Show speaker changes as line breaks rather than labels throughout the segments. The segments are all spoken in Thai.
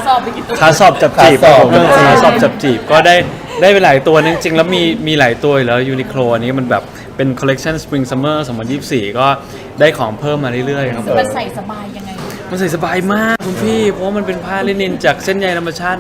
สอบไปกี่ตัว
ขาสอบจับจีบผมขาสอบจับจีบก็ได้ไปหลายตัวจริงๆแล้วมีหลายตัวอยู่แล้วยูนิโคลอันนี้มันแบบเป็นคอลเลกชันสปริงซัมเมอร์2024ก็ได้ของเพิ่มมาเรื่อยๆครับ
มันใส่สบายยังไง
มันใส่สบายมากคุณพี่เพราะมันเป็นผ้าลินินจากเส้นใยธรรมชาติ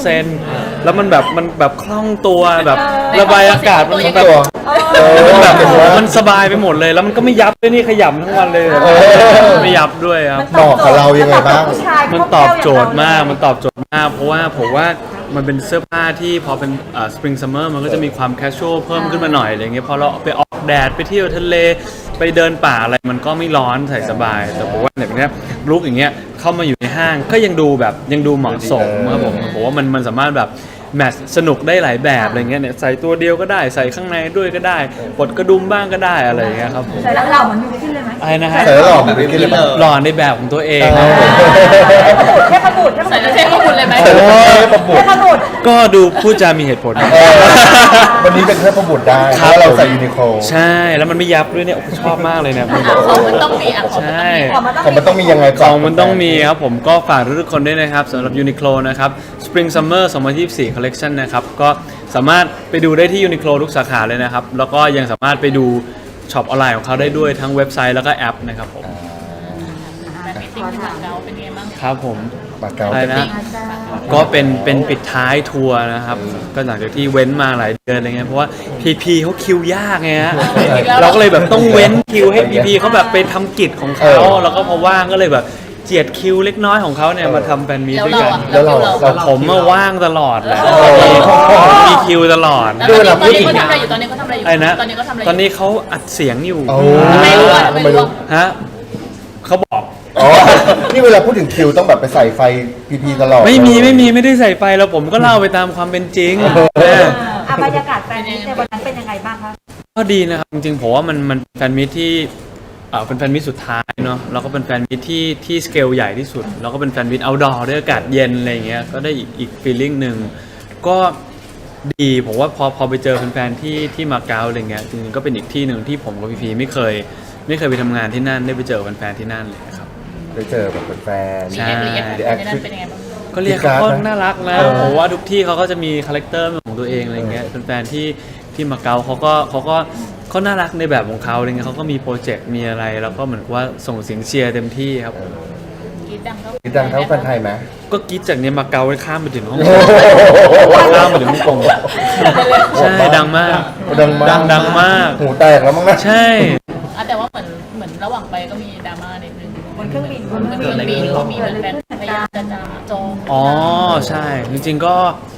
100% แล้วมันแบบคล่องตัวแบบระบายอากาศมันแบบมันสบายไปหมดเลยแล้วมันก็ไม่ยับด้วยนี่ขยำทั้งวันเลยไม่ยับด้วยครับ
เหมาะกับเรายังไงบ้าง
มันตอบโจทย์มากเพราะว่าผมว่ามันเป็นเสื้อผ้าที่พอเป็นสปริงซัมเมอร์มันก็จะมีความแคชชวลเพิ่มขึ้นมาหน่อยอะไรเงี้ยพอเราไปออกแดดไปเที่ยวทะเลไปเดินป่าอะไรมันก็ไม่ร้อนใส่สบายแต่ผมว่าแบบนี้ลุคอย่างเงี้ยเข้ามาอยู่ในห้างก็ยังดูเหมาะสมครับผมว่ามันสามารถแบบแมทสนุกได้หลายแบบอะไรเงี้ยเนี่ยใส่ตัวเดียวก็ได้ใส่ข้างในด้วยก็ได้ปลดกระดุมบ้างก็ได้อะไรเงี้ยครับผม
ใส่แล้วหล่อเหมือนมีขึ้นเลยไหม
อะไรนะฮะ
ใส่แล้วหล่อเหมือนมีขึ้นเลย
หล่อในแบบของตัวเอง
เทพบุตร
ใส่แล้วเทพบุตรเลยไหม
เทพบุตร
ก็ดูพูดจามีเหตุผล
วันนี้เป็นเทพบุตรได้เพราะเราใส่ยูนิโคล
ใช่แล้วมันไม่ยับด้วยเนี่ยชอบมากเลยเนี่ย
ของมันต้องมี
ใช่
ของมันต้องมียังไง
ของมันต้องมีครับผมก็ฝากทุกคนด้วยนะครับสำหรับยูนิโคลนะครับ Spring Summer 2024 Collection นะครับก็สามารถไปดูได้ที่ยูนิโคลทุกสาขาเลยนะครับแล้วก็ยังสามารถไปดูช็อปออนไลน์ของเขาได้ด้วยทั้งเว็บไซต์แล้วก็แอปนะครับผม
แบบมิติ้งที่มาเก๊าเป็นไงบ้าง
ครับผม
มาเก๊า
นะก็เป็นปิดท้ายทัวร์นะครับก็หลังจากที่เว้นมาหลายเดือนอะไรเงี้ยเพราะว่าพีเขาคิวยากไงฮะเราก็เลยแบบต้องเว้นคิวให้พีเขาแบบไปทำกิจของเขาแล้วก็พอว่างก็เลยแบบเจียดคิวเล็กน้อยของเขาเนี่ยมาทำแฟนมีตด้วยกัน
แล้วเรา
ผมมาว่างตลอดแหละมีคิวตลอด
ตอนนี้เขาทำอะไรอยู่ตอนนี้เขาทำอะไรอยู่
ไอ้นะตอนนี้เขาอัดเสียงอยู่
ไม่รู้
ฮะเขาบอก
นี่เวลาพูดถึงคิวต้องแบบไปใส่ไฟพีตลอด
ไม่ได้ใส่ไฟแล้วผมก็เล่าไปตามความเป็นจริง
บรรยากาศแฟนมีตในวันนั้นเป็นยังไงบ้างคะ
ก็ดีนะครับจริงๆผมว่ามันแฟนมีตที่เป็นแฟนมิตรสุดท้ายเนาะแล้วก็เป็นแฟนมิตรที่สเกลใหญ่ที่สุดแล้วก็เป็นแฟนมิตรเอาท์ดอร์ด้วยอากาศเย็นอะไรเงี้ยก็ได้อีกฟีลลิ่งหนึ่งก็ดีผมว่าพอไปเจอแฟนๆที่มาเก๊าอะไรเงี้ยจริงๆก็เป็นอีกที่หนึ่งที่ผมกับพีไม่เคยไปทำงานที่นั่นได้ไปเจอแฟนๆที่นั่นเลยครับ
ได้เจอแบบแฟน
ใช่ก็เรียก
เขา
ก็น่ารักนะผมว่าทุกที่เขาก็จะมีคาแรคเตอร์ของตัวเองอะไรเงี้ยแฟนๆที่มาเก๊าเขาก็น่ารักในแบบของเขาอะไรเงี้ยเขาก็มีโปรเจกต์มีอะไรแล้วก็เหมือนว่าส่งเสียงเชียร์เต็มที่ครับ
กีดดั
งเท่าแฟนไทยไหม
ก็กีดจากเนี้ยมาเก๊าไปข้ามไปถึงฮ่องกงข้ามไปถึงฮ่องกงใช่ดังมากดังมาก
หูแตกแล้วมั้งนะ
ใช่
แต่ว่าเหมือนระหว่างไปก็มีดราม่านิดนึง
บนเครื่องบิน
ก็มีแฟนพยายามจะจอง
อ๋อใช่จริงๆก็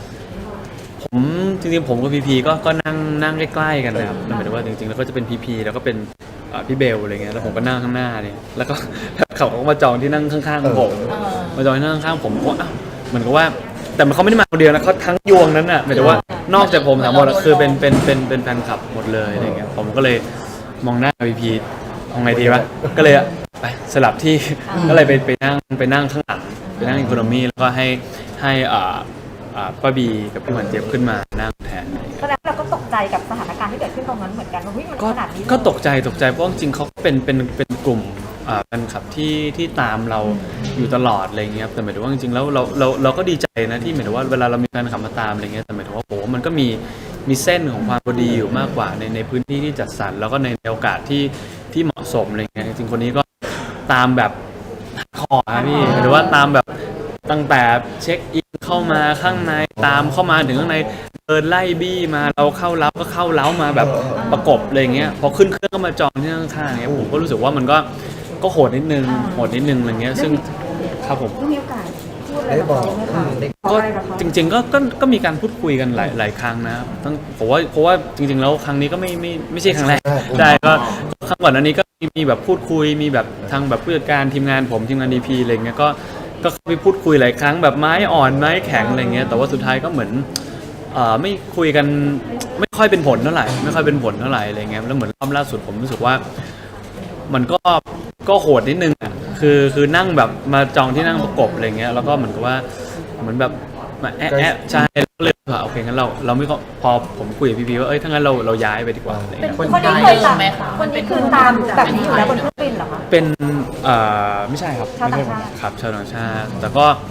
ผมกับพีก็นั่งใกล้ๆกันนะครับหมายถึงว่าจริงๆแล้วก็จะเป็นพีแล้วก็เป็นพี่เบลอะไรเงี้ยแล้วผมก็นั่งข้างหน้าเนี่ยแล้วก็เขาก็มาจองที่นั่งข้างๆผมมาจองที่นั่งข้างผมก็เหมือนกับว่าแต่เขาไม่ได้มาคนเดียวนะเขาทั้งยวงนั้นน่ะหมายถึงว่านอกจากผมทั้งหมดคือเป็นแฟนคลับหมดเลยอะไรเงี้ยผมก็เลยมองหน้าพีเอาไงดีวะก็เลยไปสลับที่ก็เลยไปนั่งข้างหลังไปนั่งอีโคโนมี่แล้วก็ให้ป้าบีกับพี่หวานเจี๊ยบขึ้นมานั่งแทน
แสดงเราก็ตกใจกับสถานการณ์ที่เกิดขึ้นตรงนั้นเหมือนกันว่ามันขนาดนี้
ก็ตกใจเพราะจริงๆเขาเป็นกลุ่มแฟนคลับที่ตามเราอยู่ตลอดอะไรเงี้ยแต่หมายถึงว่าจริงๆแล้วเราก็ดีใจนะที่หมายถึงว่าเวลาเรามีแฟนคลับมาตามอะไรเงี้ยแต่หมายถึงว่าโอ้มันก็มีเส้นของความพอดีอยู่มากกว่าในพื้นที่ที่จัดสรรแล้วก็ในโอกาสที่เหมาะสมอะไรเงี้ยจริงๆคนนี้ก็ตามแบบคอพี่หรือว่าตามแบบตั้งแต่เช็คอินเข้ามาข้างในตามเข้ามาถึงข้างในเดินไล่บี้มาเราเข้าเล้าก็เข้าเล้ามาแบบประกบอะไรเงี้ยพอขึ้นเครื่องก็มาจองที่ข้างๆเงี้ยผมก็รู้สึกว่ามันก็โหดนิดนึงอะไรเงี้ยซึ่งครับผม
มีโอกาสพูดอะไรกับเขาไหมคะ
ก็จริงๆก็มีการพูดคุยกันหลายครั้งนะตั้งเพราะว่าจริงๆแล้วครั้งนี้ก็ไม่ใช่ครั้งแรกใช่ก็ครั้งก่อนอันนี้ก็มีแบบพูดคุยมีแบบทางแบบผู้จัดการทีมงานผมทีมงาน DP อะไรเงี้ยก็ไปพูดคุยหลายครั้งแบบไม้อ่อนไม้แข็งอะไรเงี้ยแต่ว่าสุดท้ายก็เหมือนไม่คุยกันไม่ค่อยเป็นผลเท่าไหร่อะไรเงี้ยแล้วเหมือนรอบล่าสุดผมรู้สึกว่ามันก็โหดนิดนึงอ่ะคือนั่งแบบมาจองที่นั่งประกบอะไรเงี้ยแล้วก็เหมือนกับว่าเหมือนแบบมาแอะใช่เลยโอเคงั้นเราไม่พอผมคุยกับพี่ว่าถ้างั้นเราย้ายไปดีกว่าอะไรเงี้ย
คนนี้เคยตามไหมคะคนนี้คือตามแบบนี้อยู่แล้วบนเครื่องบินเหรอคะ
เป็นไม่ใช่ครับ
ชาวต่างชาติ
ครับชาวต่างชาติแต่ก็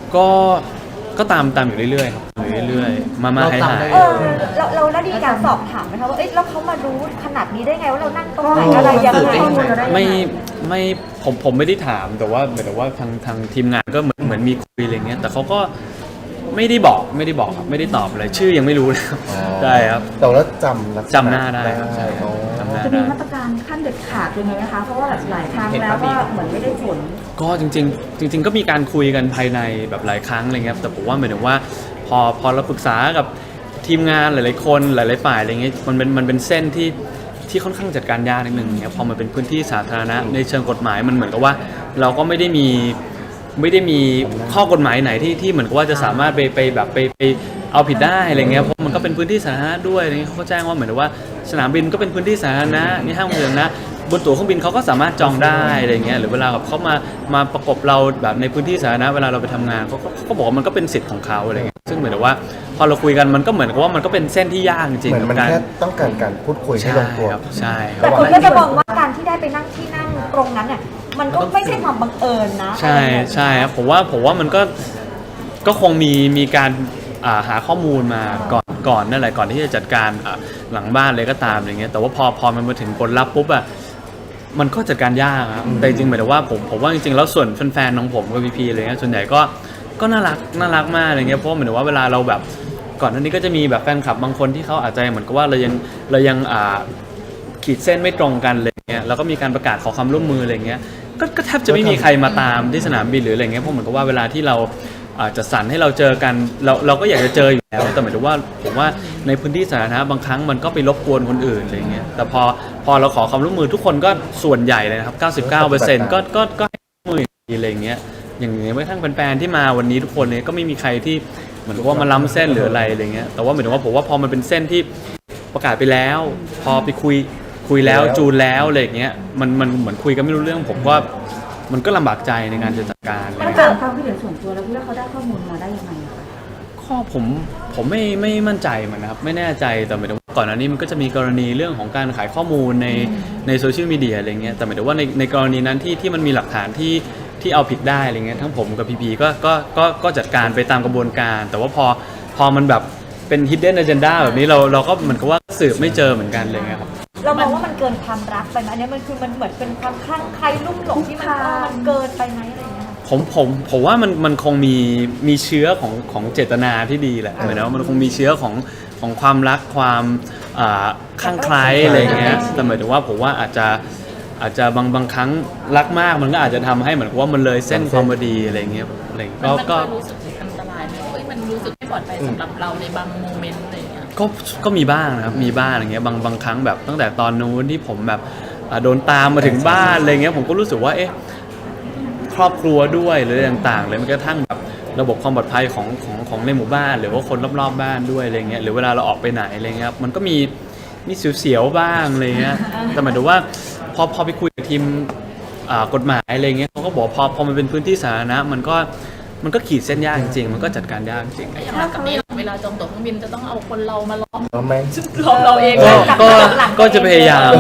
ก็ตามอยู่เรื่อยๆครับอยู่เรื่อยๆมาให้หาย
เราได้มีการสอบถามไหมคะว่าเอ้ยแล้วเขามารู้ขนาดนี้ได้ไงว่าเรานั่งตรงไหนอะไรยังไง
ไม่ผมไม่ได้ถามแต่ว่าเหมือนว่าทางทีมงานก็เหมือนมีคุยอะไรเงี้ยแต่เขาก็ไม่ได้บอกครับไม่ได้ตอบอะไรชื่อยังไม่รู้เลยครับใช่ครับ
แต่ว่าจำ
หน้าได้ครับใช่
อ๋อ
จำหน้า
จะมี
ได้
มาตรการขั้นเด็ดขาดยังไงนะคะเพราะว่าหลายครั้งแล้วก็เหมือนไม่ได้ผล
ก็จริงก็มีการคุยกันภายในแบบหลายครั้งอะไรเงี้ยแต่ผมว่าหมายถึงว่าพอเราปรึกษากับทีมงานหลายๆคนหลายๆฝ่ายอะไรเงี้ยมันเป็นเส้นที่ค่อนข้างจัดการยากนิดนึงเนี่ยพอมันเป็นพื้นที่สาธารณะในเชิงกฎหมายมันเหมือนกับว่าเราก็ไม่ได้มีข้อกฎหมายไหนที่เหมือนกับว่าจะสามารถไปเอาผิดได้อะไรเงี้ยเพราะมันก็เป็นพื้นที่สาธารณะด้วยอะไรเงี้ยเขาก็แจ้งว่าเหมือนกับว่าสนามบินก็เป็นพื้นที่สาธารณะนี่ห้างเมืองนะบนตั๋วเครื่องบินเขาก็สามารถจองได้อะไรเงี้ยหรือเวลาแบบเขามาประกบเราแบบในพื้นที่สาธารณะเวลาเราไปทำงานเขาบอกว่ามันก็เป็นสิทธิ์ของเขาอะไรเงี้ยซึ่งเหมือนกับว่าพอเราคุยกันมันก็เหมือนกับว่ามันก็เป็นเส้นที่ยากจริง
เหมือนมันแค่ต้องการพูดคุยให้ลงตัว
ใช่ค
แต่
รับ
คนก็จะมองว่าการที่ได้ไปนั่งที่นั่งตรงนั้นเนี่ยมันก็ไม่ใช่ความบังเอิญนะ
ใช่ครับผมว่ามันก็คงมีการหาข้อมูลมาก่อนนั่นแหละก่อนที่จะจัดการหลังบ้านเลยก็ตามอย่างเงี้ยแต่ว่าพอมันมาถึงผลลัพธ์ปุ๊บมันก็จัดการยากครับแต่จริงๆหมายถึงว่าผมว่าจริงๆแล้วส่วนแฟนๆของผมกับพีอะไรเงี้ยส่วนใหญ่ก็น่ารักมากอะไรเงี้ยเพราะเหมือนว่าเวลาเราแบบก่อนหน้านี้ก็จะมีแบบแฟนคลับบางคนที่เขาอาจจะเหมือนกับว่าเรายังขีดเส้นไม่ตรงกันเลยเงี้ยแล้วก็มีการประกาศขอความร่วมมืออะไรเงี้ยก็แทบจะไม่มีใครมาตามที่สนามบินหรืออะไรเงี้ยเพราะเหมือนกับว่าเวลาที่เราจะสั่นให้เราเจอกันเราก็อยากจะเจออยู่แล้วแต่หมายถึงว่าผมว่าในพื้นที่สาธารณะบางครั้งมันก็ไปรบกวนคนอื่นอะไรเงี้ยแต่พอเราขอความร่วมมือทุกคนก็ส่วนใหญ่เลยนะครับ99%ก็ให้ความร่วมมืออะไรเงี้ยอย่างแม้กระทั่งแฟนๆที่มาวันนี้ทุกคนเนี่ยก็ไม่มีใครที่เหมือนกับว่ามาล้ำเส้นหรืออะไรเงี้ยแต่ว่าหมายถึงว่าผมว่าพอมันเป็นเส้นที่ประกาศไปแล้วพอไปคุยแล้วจูนแล้วอะไรอย่างเงี้ยมันเหมือนคุยกันไม่รู้เรื่องผมว่ามันก็ลำบากใจในการจะจัดการ
มันเกิดความคิดเห็นส่วนตัวแล้วพี่ว่าเขาได้ข้อมูลมาได้ยังไงคะ
ข้อผมไม่มั่นใจเหมือนนะครับไม่แน่ใจแต่หมายถึงว่าก่อนหน้านี้มันก็จะมีกรณีเรื่องของการขายข้อมูลในโซเชียลมีเดียอะไรเงี้ยแต่หมายถึงว่าในกรณีนั้นที่มันมีหลักฐานที่เอาผิดได้อะไรเงี้ยทั้งผมกับพีก็จัดการไปตามกระบวนการแต่ว่าพอมันแบบเป็น hidden agenda แบบนี้เราก็เหมือนกับว่าสืบไม่เจอเหมือนกันเลยครับ
เรามองว่ามันเกินความรักไปไหมอันนี้มันคือมันเหมือนเป็นความคลั่งไคล้ลุ่มหลงที่มันเกินไปไหมอะไรอย่างเงี้ย
ผมว่ามันคงมีเชื้อของเจตนาที่ดีแหละเหมือนว่ามันคงมีเชื้อของความรักความคลั่งไคล้อะไรเงี้ยแต่หมายถึงว่าผมว่าอาจจะบางครั้งรักมากมันก็อาจจะทำให้เหมือนกับว่ามันเลยเส้นความพอดีอะไรเงี้ยอะไรก็
รู้สึกอันตรายไหมมันรู้สึกไม่ปลอดภัยสำหรับเราในบางโมเมนต์อะไรอย่างเงี้ย
ก็มีบ้างนะครับมีบ้างอย่างเงี้ยบางครั้งแบบตั้งแต่ตอนนู้นที่ผมแบบโดนตามมาถึงบ้านอะไรเงี้ยผมก็รู้สึกว่าครอบครัวด้วยหรืออะไรต่างๆเลยมันกระทั่งแบบระบบความปลอดภัยของในหมู่บ้านหรือว่าคนรอบๆบ้านด้วยอะไรเงี้ยหรือเวลาเราออกไปไหนอะไรเงี้ยมันก็มีเสียวๆบ้างอะไรเงี้ยแต่หมายถึงว่าพอไปคุยกับทีมกฎหมายอะไรเงี้ยเขาก็บอกพอมันเป็นพื้นที่สาธารณะมันก็ขีดเส้นยากจริงๆมันก็จัดการยากจริง
อย่างกับนี้เวลาจองตั๋วเครื่องบินจะต้องเอาคนเรามาล้อม
เอาไหม
ล้อมเราเอง
ก็จะพยายาม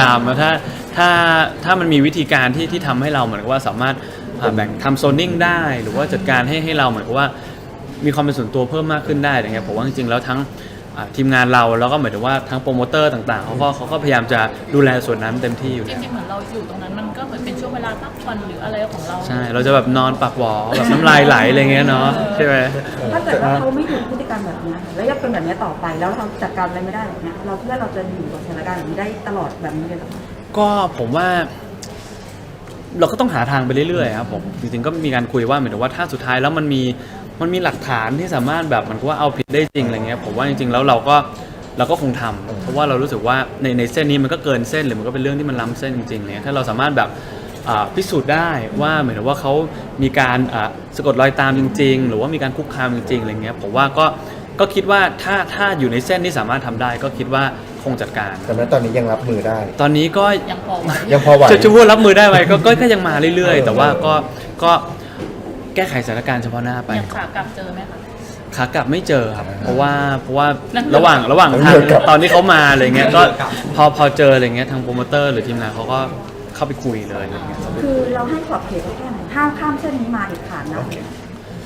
ถ้ามันมีวิธีการที่ทำให้เราเหมือนกับว่าสามารถแบ่งทำโซนนิ่งได้หรือว่าจัดการให้เราเหมือนกับว่ามีความเป็นส่วนตัวเพิ่มมากขึ้นได้อย่างเงี้ยผมว่าจริงๆแล้วทั้งทีมงานเราแล้วก็หมายถึงว่าทั้งโปรโมเตอร์ต่างๆเขาก็พยายามจะดูแลส่วนนั้นเต็มที่อยู่
จริงๆเหมือนเราอยู่ตรงนั้นมันก็เหมือนเป็นช่วงเวลาพักผ่อนหรืออะไรของเรา
ใช่เราจะแบบนอนปากหวอแบบน้ำลายไหลอะไรเงี้ยเนาะใช่ไหม
ถ้าเกิดว่าเขาไม่หยุดพฤติกรรมแบบนี้แล้วยังเป็นแบบนี้ต่อไปแล้วเราจัดการอะไรไม่ได้แบบนี้เราคิดว่าเราจะอยู่กับสถานการณ์แบบนี้ได้ตลอดแบบนี้เลยหรอ
ก็ผมว่าเราก็ต้องหาทางไปเรื่อยๆครับผมจริงๆก็มีการคุยว่าเหมือนกับว่าถ้าสุดท้ายแล้วมันมีหลักฐานที่สามารถแบบมันก็ว่าเอาผิดได้จริงอะไรเงี้ยผมว่าจริงๆแล้วเราก็คงทำเพราะว่าเรารู้สึกว่าในเส้นนี้มันก็เกินเส้นหรือมันก็เป็นเรื่องที่มันล้ำเส้นจริงๆเนี่ยถ้าเราสามารถแบบพิสูจน์ได้ว่าเหมือนว่าเขามีการสะกดรอยตามจริงๆหรือว่ามีการคุกคามจริงๆอะไรเงี้ยผมว่าก็คิดว่าถ้าอยู่ในเส้นที่สามารถทำได้ก็คิดว่าคงจัดการ
แต่แม้ตอนนี้ยังรับมือได้
ตอนนี้ก็
ยังพอไหว
ยังพอไหว
จะพูดรับมือได้ไหมก็ยังมาเรื่อยๆแต่ว่าก็แก้ไขสถานการณ์เฉพาะหน้าไป
ยังขากลับเจอไหมคะ
ขากลับไม่เจอครับเพราะว่าระหว่างทางตอนที่เขามาอะไรเงี้ยก็พอเจออะไรเงี้ยทางโปรโมเตอร์หรือทีมงานเขาก็เข้าไปคุยเลยอะไรเงี้ย
คือเราให้ขอบเขตเขาแค่ไหนห้ามข้ามเส้นนี้มาเด็ดขาดนะ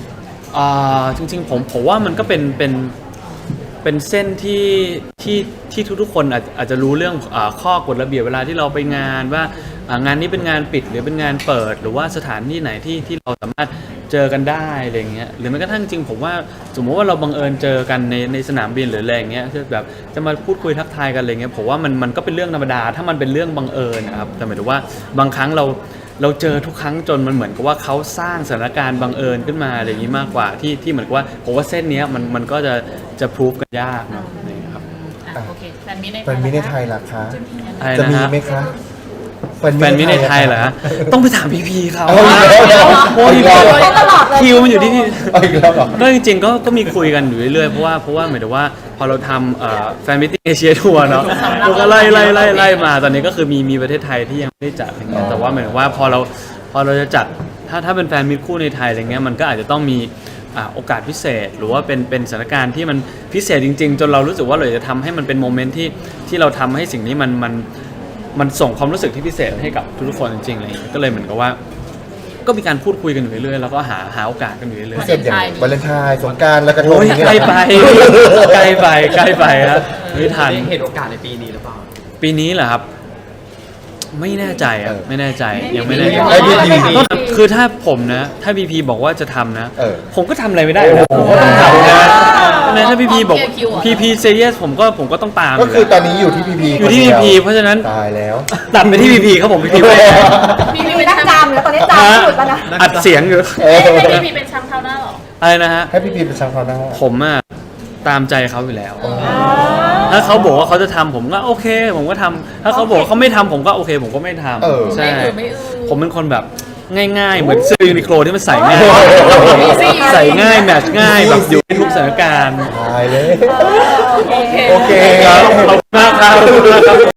จริงๆผมว่ามันก็เป็นเส้นที่ทุกๆคนอาจจะรู้เรื่องข้อกฎระเบียบเวลาที่เราไปงานว่างานนี้เป็นงานปิดหรือเป็นงานเปิด หรือว่าสถานที่ไหนที่เราสามารถเจอกันได้อะไรเงี้ยหรือแม้กระทั่งจริงผมว่าสมมติว่าเราบังเอิญเจอกันในสนามบินหรืออะไรเงี้ยคือแบบจะมาพูดคุยทักทายกันอะไรเงี้ยผมว่ามันก็เป็นเรื่องธรรมดาถ้ามันเป็นเรื่องบังเอิญนะครับแต่หมายถึงว่าบางครั้งเราเจอทุกครั้งจนมันเหมือนกับว่าเขาสร้างสถานการณ์บังเอิญขึ้นมาอะไรอย่างนี้มากกว่าที่เหมือนกับว่าผมว่าเส้นเนี้ยมันก็จะพรูฟกันยากเนาะอะไรอย่างเงี้ยครับ
โอเคแฟนมิตรใน
แฟนมิตรในไทยล่ะคะ
อะไร
จะ
นะ
มี
ฮะ
ไหมคะ
แฟนมิตรในไทยเหรอฮะต้องไปถามพีเขา
เอาอีกแล้วเหรอ
โอ้ย
เขาตลอดเลย
คิวมันอยู่ที่พี่
เอาอีกแล้วเหรอ
ก็จริงๆก็มีคุยกันอยู่เรื่อยๆเพราะว่าหมายถึงว่าพอเราทำแฟนมิตติ้งเอเชียทัวร์เนาะเราก็ไล่มาตอนนี้ก็คือมีประเทศไทยที่ยังไม่ได้จัดอะไรเงี้ยแต่ว่าหมายถึงว่าพอเราจะจัดถ้าเป็นแฟนมิตรคู่ในไทยอะไรเงี้ยมันก็อาจจะต้องมีโอกาสพิเศษหรือว่าเป็นสถานการณ์ที่มันพิเศษจริงๆจนเรารู้สึกว่าเราจะทำให้มันเป็นโมเมนต์ที่เราทำให้สิ่งนี้มันส่งความรู้สึกที่พิเศษให้กับทุกๆคนจริงๆอะไรอย่างเงี้ยก็เลยเหมือนกับว่าก็มีการพูดคุยกันอยู่เรื่อยๆแล้วก็หาโอกาสกันอยู่เรื่อย
พิเศษอย่างวาเลนไทน์สงกรานต์และกระ
ๆ
ทง
โอ้ย
อย่างเงี้ย
ใกล้ไปใกล้ไปครับไม่ทัน
เห็นโอกาสในปีนี้หรือเปล่า
ปีนี้เหรอครับ ไม่แน่ใจอ่ะไม่แน่ใจยังไม่แน่ใจ
ไอ้พี่ดี
ก็คือถ้าผมนะถ้าพีพีบอกว่าจะทำนะ ผมก็ทำอะไรไม่ได้นะ
โอ้
ผม
โห
ก็ต้องทำนะถ้าพีพีบอกพีพีเซเยสผมก็ต้องตาม
ก็คือตอนนี้อยู่ที่พีพี
อยู่ที่พีพีเพราะฉะนั้น
ตายแล้ว
ตัดไปที่พีพีครับผมพีพีไม่
พี่
มี
เป็น
นักจามแล้วตอนนี้จามไม่หยุดแล้วนะ
อัดเสียงอยู่
พี่เป็นช่างเท้าหน้าหรอ
อะไรนะฮะ
ให้พีพีเป็นช่างเขาหน้า
ผมอะตามใจเขาอยู่แล้ว ถ้าเขาบอกว่าเขาจะทำผมก็โอเค ผมก็ทำถ้าเขาบอกว่าเขาไม่ทำผมก็โอเค ผมก็ไม่ทำใช่
ไม่อือ
ผมเป็นคนแบบง่ายๆ เหมือนเสื้อยูนิโคลที่มันใส่ง่าย ใส่ง่ายแมทช์ง่ายแบบอยู่ในทุกสถานการณ์
ตายเลย
โอเค
โอเค
ครับขอบคุณมากครับ